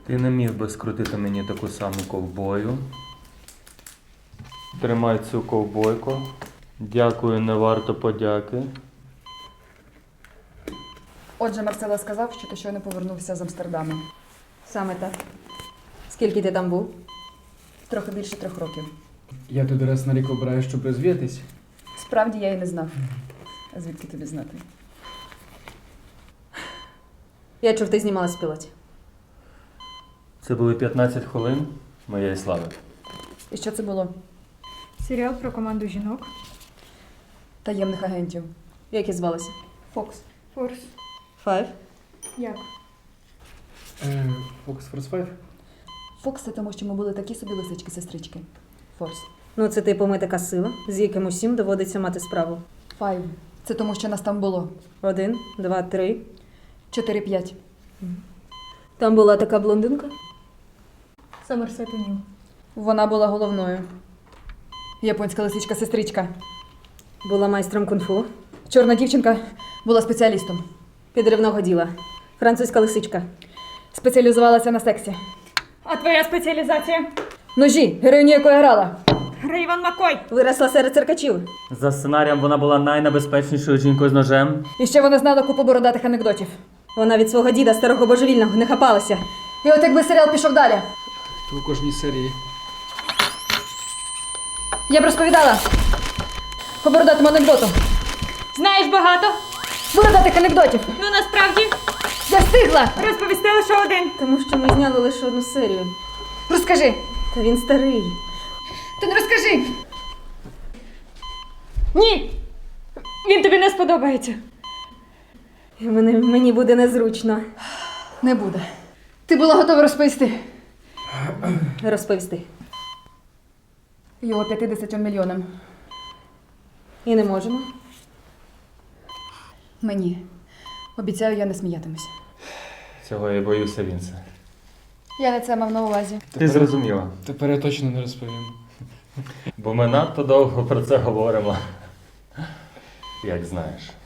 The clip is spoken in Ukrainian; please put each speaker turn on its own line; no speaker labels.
Ти не міг би скрутити мені таку саму ковбою. Тримай цю ковбойку. Дякую, не варто подяки.
Отже, Марсело сказав, що ти щойно повернувся з Амстердаму.
Саме так. Скільки ти там був?
Трохи більше 3 років.
Я туди раз на рік обираю, щоб розвіятись.
Справді я і не знав. А звідки тобі знати?
Я чув, ти знімалась в пілоті.
Це були 15 хвилин моєї слави.
І що це було?
Серіал про команду жінок.
Таємних агентів.
Як і звалася?
Фокс.
Форс.
Five?
Як?
Фокс Форс 5?
Фокс це тому, що ми були такі собі лисички-сестрички. Форс.
Ну, це типу ми така сила, з яким усім доводиться мати справу.
5. Це тому, що нас там було.
1, 2, 3.
4-5.
Там була така блондинка.
Сомерсет Нью.
Вона була головною. Японська лисичка-сестричка.
Була майстром кунг-фу.
Чорна дівчинка була спеціалістом.
Підривного діла. Французька лисичка.
Спеціалізувалася на сексі.
А твоя спеціалізація?
Ножі, героїню якої грала.
Рейвен Маккой.
Виросла серед циркачів.
За сценарієм вона була найнебезпечнішою жінкою з ножем.
І ще вона знала купу бородатих анекдотів.
Вона від свого діда, старого божевільного, не хапалася.
І от якби серіал пішов далі.
То у кожній серії.
Я б розповідала по бородатому анекдоту.
Знаєш багато?
Бородатих анекдотів.
Ну насправді
Я встигла!
розповісти лише один.
Тому що ми зняли лише одну серію.
Розкажи!
Та він старий.
Ти не розкажи!
Ні! Він тобі не сподобається.
І мені буде незручно
Не буде. Ти була готова розповісти
розповісти.
його 50 мільйонам.
І не можемо.
Мені. Обіцяю, я не сміятимусь.
Цього я боюся, Вінсе.
Я не це мав на увазі.
Ти зрозуміла.
Тепер я точно не розповім.
Бо ми надто довго про це говоримо. Як знаєш.